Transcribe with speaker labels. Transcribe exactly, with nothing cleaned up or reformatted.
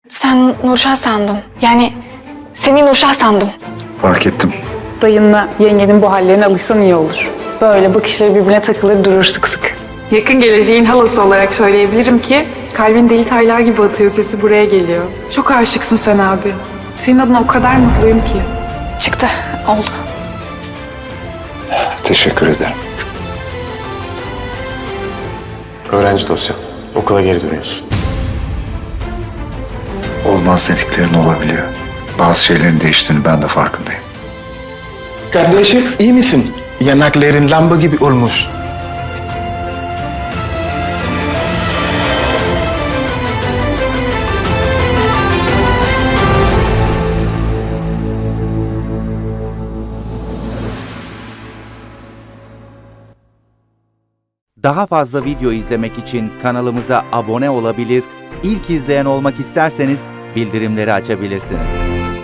Speaker 1: Sen Nurşah sandım. Yani seni Nurşah sandım.
Speaker 2: Fark ettim.
Speaker 3: Dayınla yengenin bu hallerine alışsan iyi olur. Böyle bakışları birbirine takılır durur sık sık. Yakın geleceğin halası olarak söyleyebilirim ki kalbin deli taylar gibi atıyor, sesi buraya geliyor. Çok aşıksın sen abi. Senin adına o kadar mutluyum ki.
Speaker 1: Çıktı, oldu.
Speaker 2: Teşekkür ederim.
Speaker 4: Öğrenci dosya. Okula geri dönüyorsun.
Speaker 2: Olmaz dediklerin olabiliyor. Bazı şeylerin değiştiğini ben de farkındayım.
Speaker 5: Kardeşim iyi misin? Yanakların lamba gibi olmuş.
Speaker 6: Daha fazla video izlemek için kanalımıza abone olabilir, ilk izleyen olmak isterseniz bildirimleri açabilirsiniz.